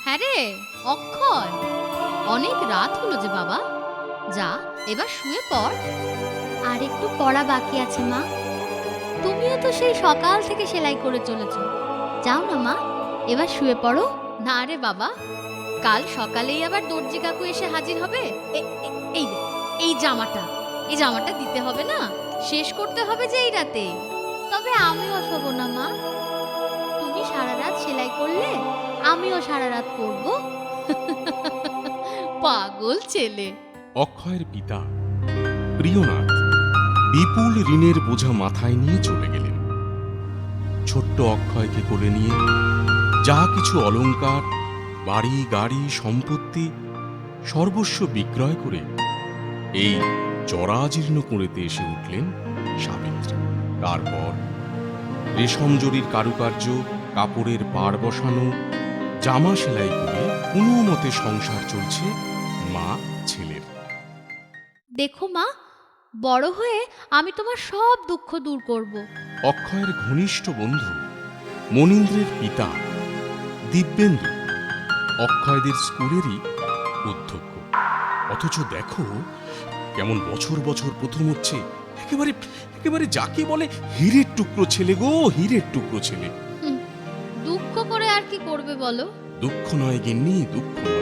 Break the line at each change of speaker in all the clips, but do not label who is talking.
হ্যাঁ রে অক্ষয়, অনেক রাত হলো যে বাবা, যা এবার শুয়ে পড়। আর একটু পড়া বাকি আছে মা। তুমিও তো সেই সকাল থেকে সেলাই করে চলেছো, যাও না মা, এবার শুয়ে পড়ো। না রে বাবা, কাল সকালেই আবার দর্জি কাকু এসে হাজির হবে। এই দেখ, এই জামাটা দিতে হবে না, শেষ করতে হবে যে এই রাতে। তবে আমিও শোবো না মা, তুমি সারা রাত সেলাই করলে আমিও সারা রাত পড়বো। পাগল ছেলে।
অক্ষয়ের পিতা প্রিয়নাথ বিপুল ঋণের বোঝা মাথায় নিয়ে চলে গেলেন। ছোট্ট অক্ষয়কে কোলে নিয়ে যা কিছু অলংকার, বাড়ি গাড়ি সম্পত্তি সর্বস্ব বিক্রয় করে এই জরাজীর্ণ কুঁড়েতে এসে উঠলেন সাবিত্রী। তারপর রেশম জরির কারুকার্য, কাপড়ের পাড় বসানো, জামা সেলাই করে কোনো মতে সংসার চলছে মা ছেলের।
দেখো মা, বড় হয়ে আমি তোমার সব দুঃখ দূর করব।
অক্ষয়ের ঘনিষ্ঠ বন্ধু মনীন্দ্রের পিতা দিব্যেন্দু অক্ষয়দের স্কুলেরই অধ্যক্ষ। অথচ দেখো কেমন বছর বছর প্রথম হচ্ছে, একেবারে একেবারে যাকে বলে হীরের টুকরো ছেলে গো, হীরের টুকরো ছেলে।
দুঃখ করে আর কি করবে বলো?
দুঃখ নয় গিন্নি, দুঃখ নয়,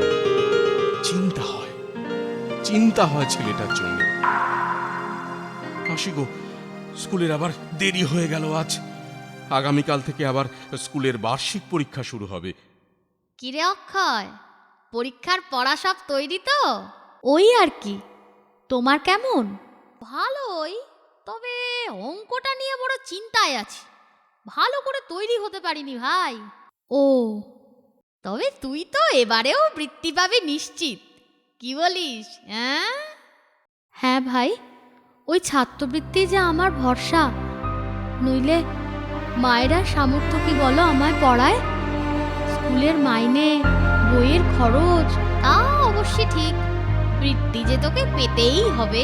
চিন্তা হয় ছেলেটার জন্য। আসি গো, স্কুলের আবার দেরি হয়ে গেল আজ। আগামীকাল থেকে আবার স্কুলের বার্ষিক পরীক্ষা শুরু হবে।
কিরে অক্ষয়, পরীক্ষার পড়া সব তৈরি তো? ওই আর কি। তোমার কেমন? ভালোই, তবে অঙ্কটা নিয়ে বড় চিন্তায় আছি, ভালো করে তৈরি হতে পারিনি ভাই। ও, তবে তুই তো এবারেও বৃত্তি পাবি নিশ্চিত, কি বলিস? হ্যাঁ ভাই, ওই ছাত্রবৃত্তি যে আমার ভরসা, নইলে মায়েরা সামর্থ্য কি বলো আমায় পড়ায়? স্কুলের মাইনে, বইয়ের খরচ, তা অবশ্যই ঠিক, বৃত্তি যে তোকে পেতেই হবে।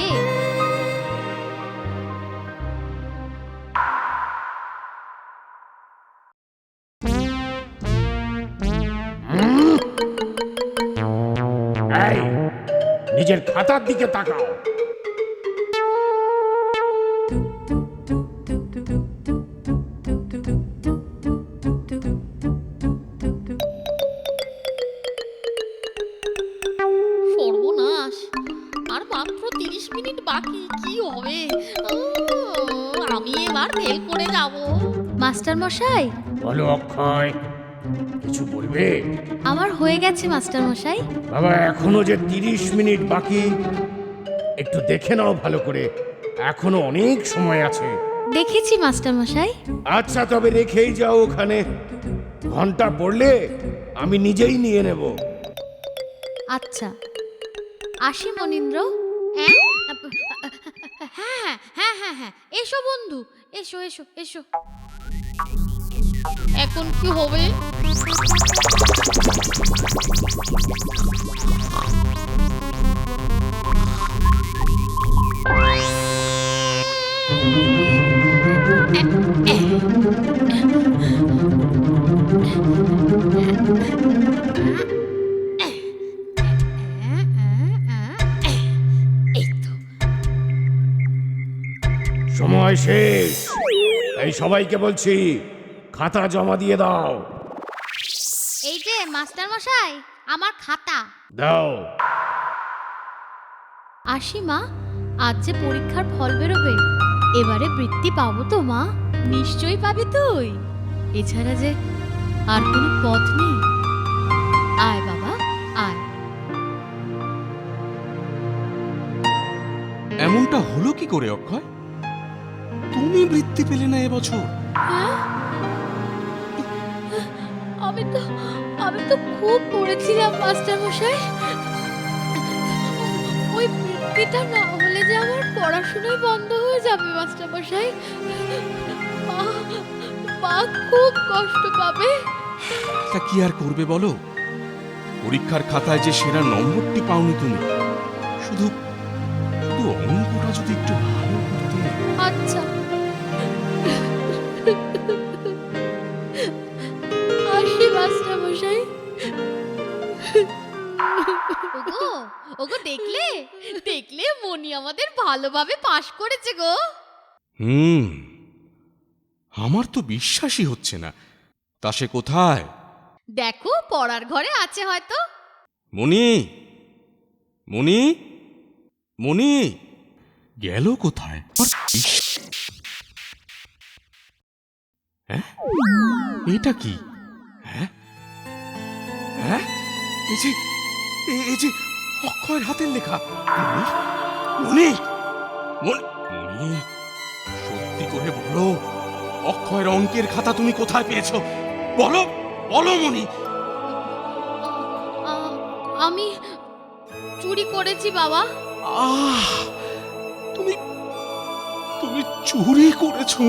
এই, নিজের খাতার দিকে তাকাও।
সর্বনাশ, আর মাত্র 30 মিনিট বাকি, কি হবে? আমি এবার ফেল করে যাব। মাস্টার মশাই।
বলো অক্ষয়, কিছু বলবে?
আমার হয়ে গেছে মাস্টার মশাই।
বাবা, এখনো যে 30 মিনিট বাকি, একটু দেখে নাও ভালো করে, এখনো অনেক সময় আছে।
দেখেছি মাস্টার মশাই।
আচ্ছা, তবে রেখেই যাও ওখানে, ঘন্টা পড়লে আমি নিজেই নিয়ে নেব।
আচ্ছা, আসি মনীন্দ্র। হ্যাঁ হ্যাঁ হ্যাঁ হ্যাঁ হ্যাঁ, এসো বন্ধু, এসো এসো এসো। এখন কি হবে? এই তো।
সময় শেষ। এই সবাইকে বলছি, খাতা জমা দিয়ে দাও।
এই যে মাস্টার মশাই, আমার খাতা
দাও।
আসি মা, আজ যে পরীক্ষার ফল বেরোবে, এবারে বৃত্তি পাবো তো মা? নিশ্চয়ই পাবি তুই, এছাড়া যে আর কোনো পথ নেই। আয় বাবা আয়।
এমনটা হলো কি করে অক্ষয়? তুমি বৃত্তি পেলে না এবছর?
আমি তো খুব পড়েছিলাম মাস্টার মশাই। ওই বৃত্তিটা না হলে যে আমার পড়াশোনাই বন্ধ হয়ে যাবে মাস্টার মশাই। মা খুব কষ্ট পাবে।
তা কি আর করবে বলো, পরীক্ষার খাতায় যে সেরা নম্বরটি পাওনি তুমি, শুধু শুধু অঙ্কটা যদি একটু ভালো করতে।
আচ্ছা, আসি মাস্টার মশাই। ওগো দেখলে দেখলে মনি আমাদের ভালোভাবে পাশ করেছে গো।
আমার তো বিশ্বাসই হচ্ছে না। তা সে কোথায়?
দেখো পড়ার ঘরে আছে হয়তো।
মনি, মনি, মনি গেল কোথায়? হ্যাঁ, এটা কি? হ্যাঁ হ্যাঁ, এই যে অক্ষয়ের হাতের লেখা। মনি, মনি, মনি, সত্যি করে বলো, অক্ষয়ের অঙ্কের খাতা তুমি কোথায় পেয়েছো? বলো বলো মনি।
আমি চুরি করেছি বাবা।
আহ, তুমি তুমি চুরি করেছো?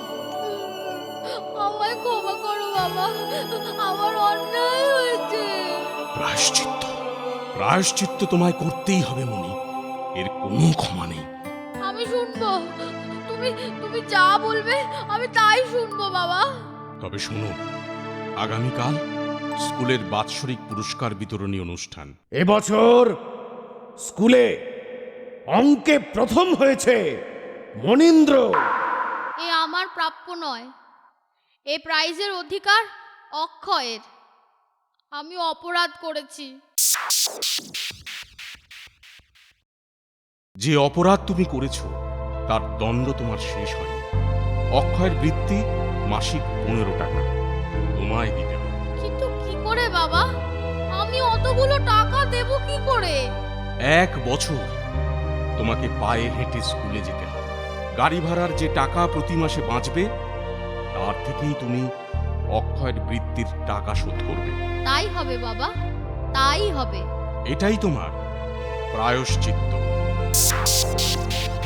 আমায় ক্ষমা করো বাবা, আমার অন্যায় হয়েছে।
প্রায়শ্চিত্ত, প্রায়শ্চিত্ত তোমায় করতেই হবে মনি, এর কোনো ক্ষমা নেই।
আমি শুনবো, তুমি তুমি যা বলবে আমি তাই শুনবো বাবা।
তবে শোনো, আগামীকাল স্কুলের বাৎসরিক পুরস্কার বিতরণী অনুষ্ঠান।
এবছর স্কুলে অঙ্কে প্রথম হয়েছে মনীন্দ্র।
এ আমার প্রাপ্য নয়, এ প্রাইজের অধিকার অক্ষয়ের। আমি অপরাধ করেছি।
যে অপরাধ তুমি করেছো তার দণ্ড তোমার শেষ হয়নি। অক্ষয়ের বৃত্তি মাসিক 15 টাকা তোমায় দিতে হবে।
কিন্তু কি করে বাবা, আমি অতগুলো টাকা দেব কি করে?
1 বছর তোমাকে পায়ে হেঁটে স্কুলে যেতে হবে। গাড়ি ভাড়ার যে টাকা প্রতি মাসে বাঁচবে তার থেকেই তুমি অক্ষয়ের বৃত্তির টাকা শোধ করবে।
তাই হবে বাবা, তাই হবে।
এটাই তোমার প্রায়শ্চিত্ত।